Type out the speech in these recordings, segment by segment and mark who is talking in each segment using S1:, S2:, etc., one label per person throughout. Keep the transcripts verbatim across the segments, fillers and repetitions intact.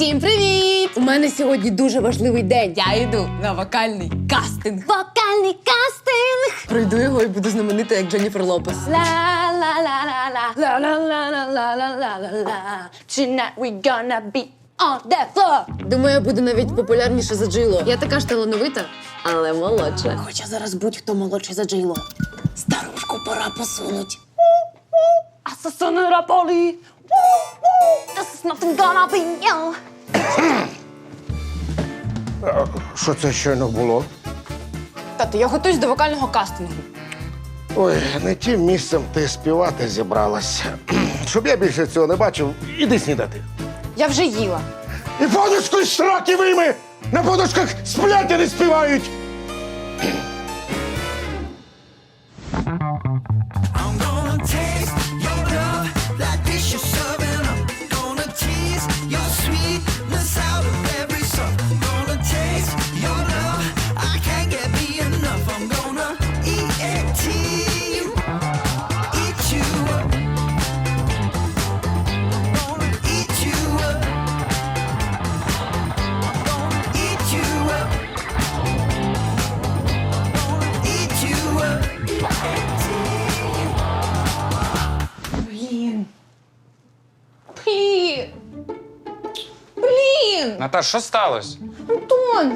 S1: Всім привіт! У мене сьогодні дуже важливий день. Я йду на вокальний кастинг. Вокальний кастинг! Пройду його і буду знаменита, як Дженніфер Лопес. Ла-ла-ла-ла-ла, ла-ла-ла-ла-ла-ла-ла. Tonight we gonna be on the floor. Думаю, я буду навіть популярніше за Джейло. Я така ж талановита, але молодша. Хоча зараз будь-хто молодший за Джейло. Старушку пора посунуть. Асасини раполі. This is nothing gonna be you.
S2: Що це щойно було?
S1: Тато, я готуюсь до вокального кастингу.
S2: Ой, не тим місцем ти співати зібралася. Щоб я більше цього не бачив, іди снідати.
S1: Я вже їла.
S2: І подушку із сраки вийми! На подушках сплять, а не співають!
S3: I'm gonna taste your love like this you're serving up. Gonna tease your sweetness out of every song. Gonna taste your love, I can't get me enough. I'm gonna eat you, eat you up. Gonna eat you up. Gonna eat you up. Gonna eat you up.
S1: Блін. Блін. Блін.
S4: Наташ, що сталося?
S1: Антон.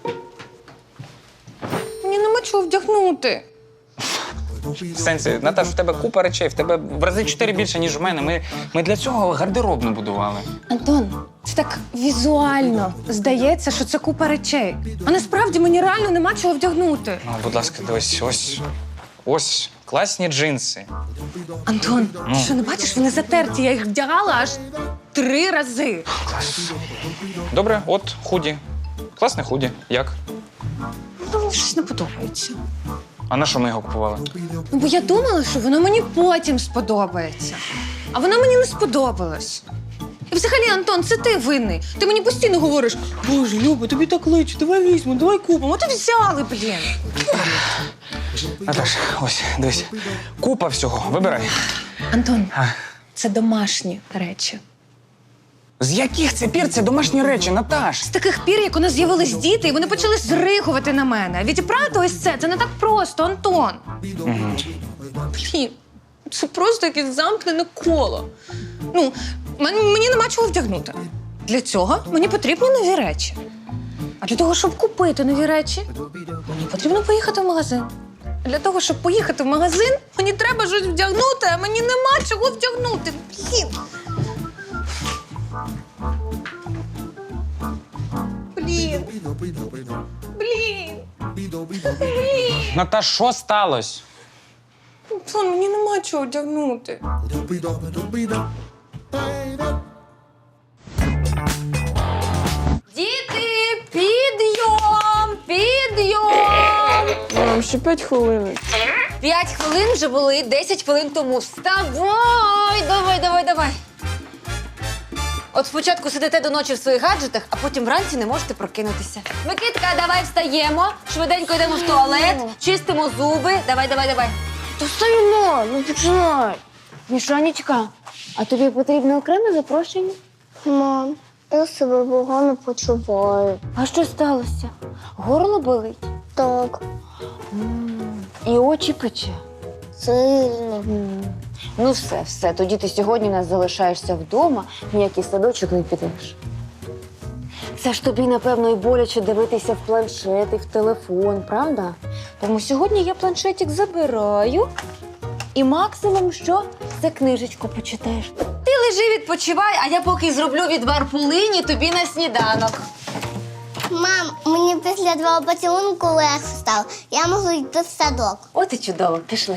S1: Мені нема чого вдягнути.
S4: В сенсі, Наташ, в тебе купа речей, в тебе в рази чотири більше, ніж в мене. Ми, ми для цього гардеробну будували.
S1: Антон, це так візуально здається, що це купа речей. А насправді мені реально нема чого вдягнути.
S4: Ну, будь ласка, дивись, ось, ось класні джинси.
S1: Антон, ти що не бачиш, вони затерті, я їх вдягала аж три рази.
S4: Добре, от худі. Класне худі. Як?
S1: Ну, мені щось не подобається.
S4: А на що ми його купували?
S1: Ну, бо я думала, що воно мені потім сподобається. А воно мені не сподобалось. І взагалі, Антон, це ти винний. Ти мені постійно говориш: Боже, Люба, тобі так личить, давай візьмемо, давай купимо. От і взяли, блін.
S4: Наташ, ось, дивись. Купа всього. Вибирай.
S1: Антон,
S4: А.
S1: це домашні речі.
S4: З яких це пір це домашні речі, Наташ?
S1: З таких пір, як у нас з'явились діти, і вони почали зригувати на мене. Відібрати ось це, це не так просто, Антон.
S4: Угу.
S1: Блін, це просто якесь замкнене коло. Ну, мені, мені нема чого вдягнути. Для цього мені потрібні нові речі. А для того, щоб купити нові речі, мені потрібно поїхати в магазин. А для того, щоб поїхати в магазин, мені треба щось вдягнути, а мені нема чого вдягнути. Блін. Блін. Блін. Блін.
S4: Наташ, що сталося?
S1: Антон, мені нема чого вдягнути. Діти, підйом, підйом.
S5: Мам, ще п'ять хвилин.
S1: П'ять хвилин вже були, десять хвилин тому. Вставай, давай, давай, давай. От спочатку сидите до ночі в своїх гаджетах, а потім вранці не можете прокинутися. Микитка, давай встаємо, швиденько йдемо в туалет, чистимо зуби. Давай, давай, давай.
S5: Та стоїмо, ну починай. Мішанечка, а тобі потрібно окреме запрошення?
S6: Мам, я себе погано почуваю.
S5: А що сталося? Горло болить?
S6: Так,
S5: І очі пече?
S6: сильно.
S5: Ну все, все, тоді ти сьогодні у нас залишаєшся вдома, ніякий садочок не підеш. Це ж тобі, напевно, і боляче дивитися в планшет і в телефон, правда? Тому сьогодні я планшетик забираю і максимум що? Це книжечку почитаєш.
S1: Ти лежи, відпочивай, а я поки зроблю відвар полині тобі на сніданок.
S6: Мам, мені після твого поцілунку легше стало. Я можу йти в садок.
S1: От і чудово, пішли.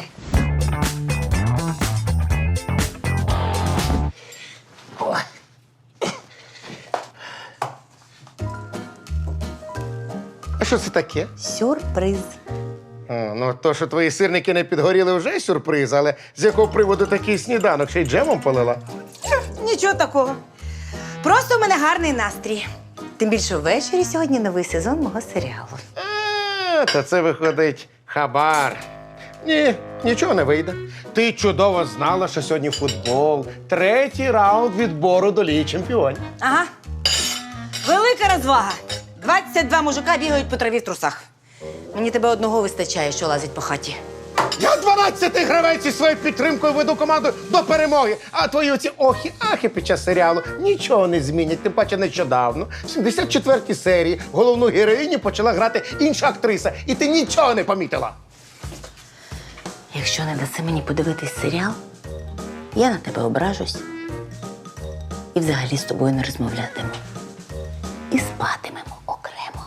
S2: А що це таке?
S1: Сюрприз.
S2: А, ну, то, що твої сирники не підгоріли, вже сюрприз, але з якого приводу такий сніданок? Ще й джемом полила?
S7: Нічого такого. Просто в мене гарний настрій. Тим більше ввечері сьогодні новий сезон мого серіалу.
S2: А, та це виходить хабар. Ні, нічого не вийде. Ти чудово знала, що сьогодні футбол. Третій раунд відбору до Ліги чемпіонів.
S7: Ага. Велика розвага. двадцять два мужика бігають по траві в трусах. Мені тебе одного вистачає, що лазить по хаті.
S2: Я дванадцятий гравець із своєю підтримкою веду команду до перемоги. А твої оці охи-ахи під час серіалу нічого не змінять. Тим паче нещодавно, в сімдесят четвертій серії, головну героїню почала грати інша актриса. І ти нічого не помітила.
S7: Якщо не даси мені подивитись серіал, я на тебе ображусь. І взагалі з тобою не розмовлятиму. І спатимемо окремо.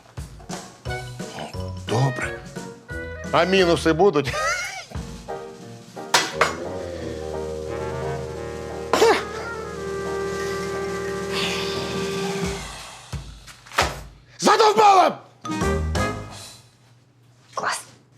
S2: Добре. А мінуси будуть? Задовбала!
S7: Клас.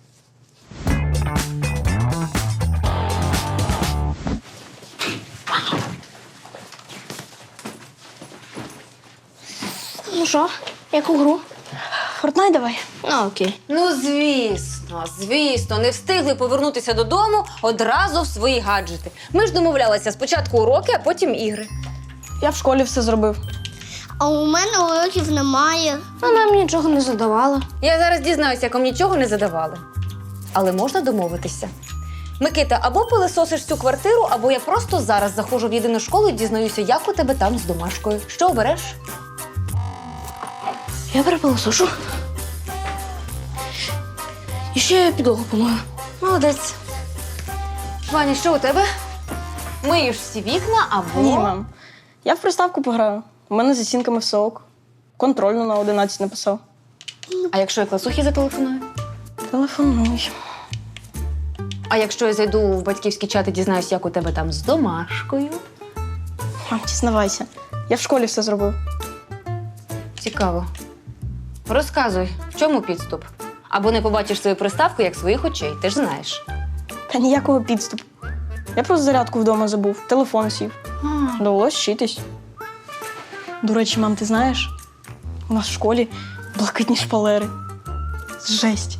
S6: Ну що, яку гру?
S8: Фортнайт давай.
S6: Ну, окей.
S5: Ну, звісно, звісно, не встигли повернутися додому одразу в свої гаджети. Ми ж домовлялися спочатку уроки, а потім ігри.
S8: Я в школі все зробив.
S6: А у мене уроків немає.
S5: А нам нічого не задавали. Я зараз дізнаюся, як вам нічого не задавали. Але можна домовитися. Микита, або пилисосиш всю квартиру, або я просто зараз заходжу в єдину школу і дізнаюся, як у тебе там з домашкою. Що обереш?
S8: Я перепилосошу. І ще підлогу помою.
S5: Молодець. Ваня, що у тебе? Миєш всі вікна або...
S8: Ні, мам. Я в приставку пограю. У мене з оцінками все ок. Контрольну на одинадцять написав.
S5: А якщо я класухі зателефоную?
S8: Телефонуй.
S5: А якщо я зайду в батьківський чат і дізнаюсь, як у тебе там з домашкою?
S8: Мам, дізнавайся. Я в школі все зробив.
S5: Цікаво. Розказуй, в чому підступ? Або не побачиш свою приставку, як своїх очей, ти ж знаєш.
S8: Та ніякого підступу. Я просто зарядку вдома забув, телефон сів. Довелось вчитись. До речі, мам, ти знаєш? У нас в школі блакитні шпалери. Жесть.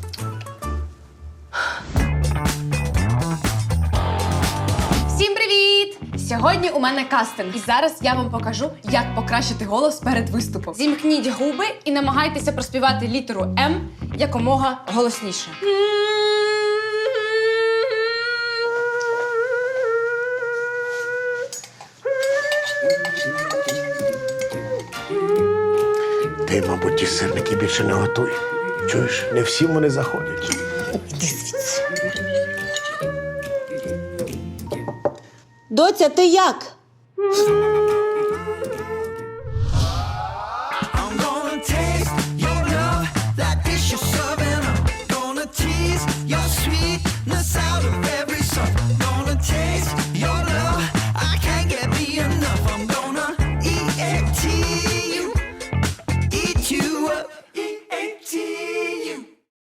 S9: Всім привіт! Сьогодні у мене кастинг. І зараз я вам покажу, як покращити голос перед виступом. Зімкніть губи і намагайтеся проспівати літеру М якомога голосніше.
S2: Ти, мабуть, ті сирники більше не готуй. Чуєш, не всім вони заходять.
S7: Доця, ти як?
S3: I'm gonna taste your love like dish you're serving up. Gonna tease your sweetness out of every